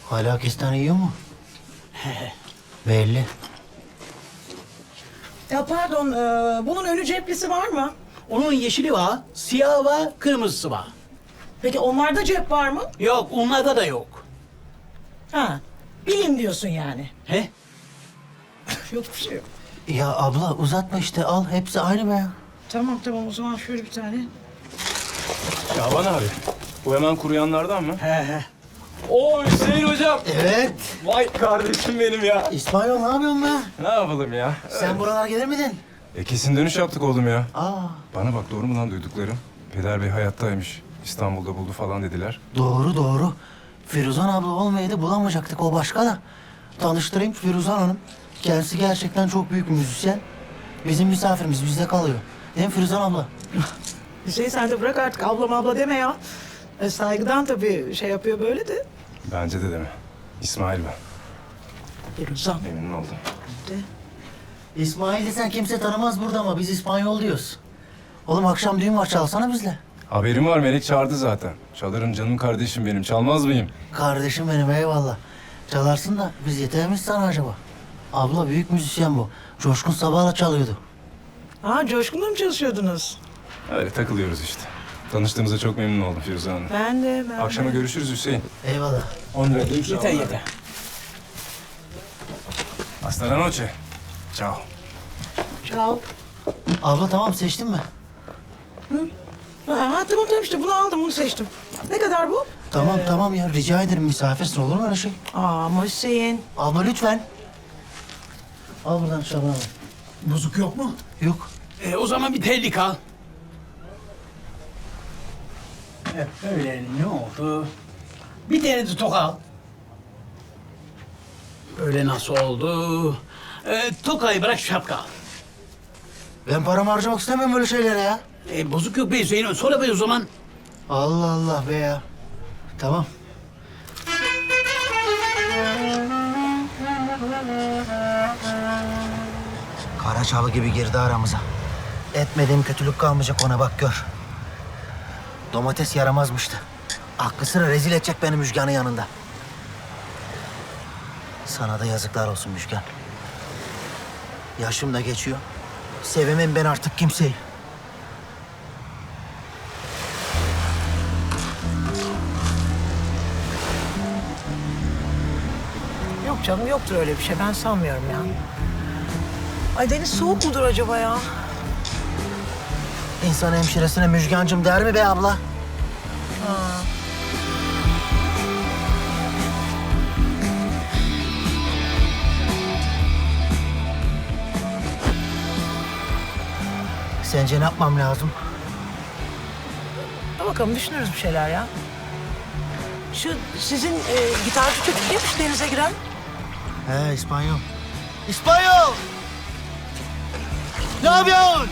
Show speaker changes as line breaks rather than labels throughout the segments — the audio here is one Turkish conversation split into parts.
Hala kestane yiyor mu? Belli.
Ya pardon, bunun önü ceplisi var mı?
Onun yeşili var, siyahı var, kırmızısı var.
Peki onlarda cep var mı?
Yok, onlarda da yok.
Ha, bilin diyorsun yani.
He?
Yok bir şey yok.
Ya abla uzatma işte al. Hepsi aynı be.
Tamam o zaman şöyle bir tane.
Şaban abi, bu hemen kuruyanlardan mı?
He.
Oo Hüseyin hocam.
Evet.
Vay kardeşim benim ya.
İspanyol ne yapıyorsun be?
Ne yapalım ya?
Sen buralara gelir miydin?
Kesin dönüş yaptık oğlum ya.
Aa,
Bana bak doğru mu lan duyduklarım? Peder Bey hayattaymış. İstanbul'da buldu falan dediler.
doğru. Firuzan abla olmayaydı bulamayacaktık, o başka da. Tanıştırayım, Firuzan Hanım. Kendisi gerçekten çok büyük bir müzisyen. Bizim misafirimiz bizde kalıyor. Değil mi Firuzan abla?
Hüseyin sen de bırak artık abla deme ya. Saygıdan tabii şey yapıyor böyle de.
Bence de deme. İsmail ben.
Firuzan.
Memnun oldum.
İsmail'i sen kimse tanımaz burada ama biz İspanyol diyoruz. Oğlum akşam düğün var, çalsana bizle.
Haberim var, Melek çağırdı zaten. Çalarım canım kardeşim benim, çalmaz mıyım?
Kardeşim benim, eyvallah. Çalarsın da biz yeter miyiz sana acaba? Abla büyük müzisyen bu. Coşkun Sabah'la çalıyordu.
Ha, Coşkun'la mı çalışıyordunuz?
Öyle takılıyoruz işte. Tanıştığımıza çok memnun oldum Firuze Hanım.
Ben de.
Akşama görüşürüz Hüseyin.
Eyvallah.
10 lira
Yeter.
Hasta la noche. Ciao.
Çal.
Abla tamam, seçtin mi?
Ha, tamam işte bunu aldım, bunu seçtim. Ne kadar bu?
Tamam ya, rica ederim, misafirsin, olur mu öyle şey?
Ama Hüseyin.
Abla lütfen. Al buradan Şaban abi.
Bozuk yok mu?
Yok.
O zaman bir terlik al. Öyle ne oldu? Bir tane de toka al. Öyle nasıl oldu? Tokayı bırak, şapka al.
Ben paramı harcamak istemiyorum böyle şeylere ya.
Bozuk yok be Hüseyin, sonra be o zaman.
Allah Allah be ya. Tamam. Karaçalı gibi girdi aramıza. Etmediğim kötülük kalmayacak ona, bak gör. Domates yaramazmıştı. Aklı sıra rezil edecek beni Müjgan'ın yanında. Sana da yazıklar olsun Müjgan. Yaşım da geçiyor. Sevemem ben artık kimseyi.
Yok canım, yoktur öyle bir şey, ben sanmıyorum ya. Ay deniz soğuk mudur acaba ya?
İnsan hemşiresine Müjgancım der mi be abla? Sence ne yapmam lazım?
Dur bakalım, düşünürüz bir şeyler ya. Şu sizin gitarcı çocuk kimmiş denize giren?
He, İspanyol. İspanyol! Ne yapıyorsun?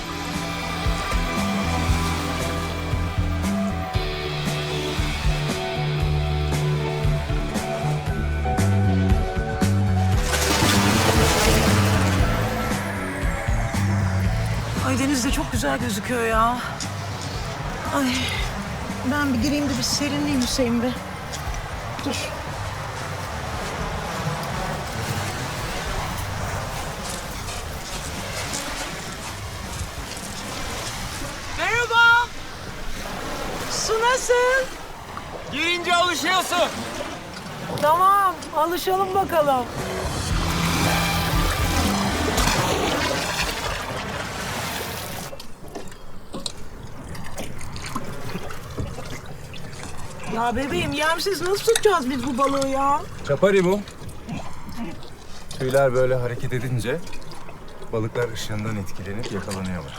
Ay deniz de çok güzel gözüküyor ya. Ay ben bir gireyim de bir serinleyeyim Hüseyin be. Dur. Merhaba. Su nasıl?
Girince alışıyorsun.
Tamam, alışalım bakalım. Ya bebeğim, yemsiz nasıl tutacağız biz bu balığı ya?
Çapari bu. Tüyler böyle hareket edince balıklar ışığından etkilenip yakalanıyorlar.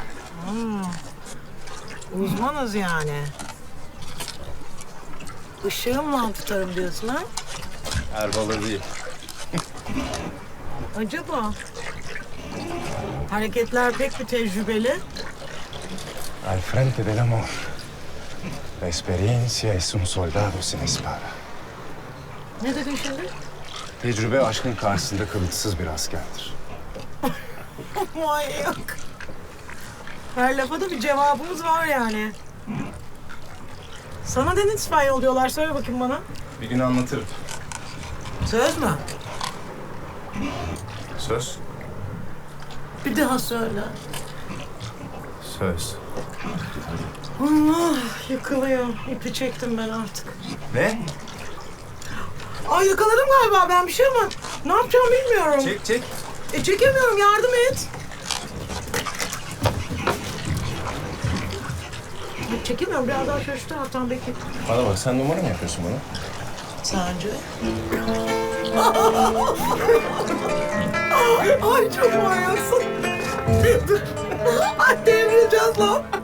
Uzmanız yani. Işığımla tutarım diyorsun ha?
Her balığı değil.
Acaba? Hareketler pek bir tecrübeli.
Al frente del amor. La experiencia es un soldado sin espada.
Ne dedin şimdi?
Tecrübe aşkın karşısında kılıçsız bir askerdir.
Manyak. Her lafa da bir cevabımız var yani. Sana neden İspanyol diyorlar? Söyle bakayım bana.
Bir gün anlatırım.
Söz mü?
Söz.
Bir daha söyle.
Söz.
Allah yıkılıyor. İpi çektim ben artık.
Ne?
Ay yakaladım galiba ben bir şey ama ne yapacağımı bilmiyorum.
Çek.
Çekemiyorum, yardım et. Çekemiyorum, biraz daha şöyle şu taraftan bekle.
Bana bak, sen numara mı yapıyorsun bana?
Sence? Ay çok manyaksın. Ay devrileceğiz lan.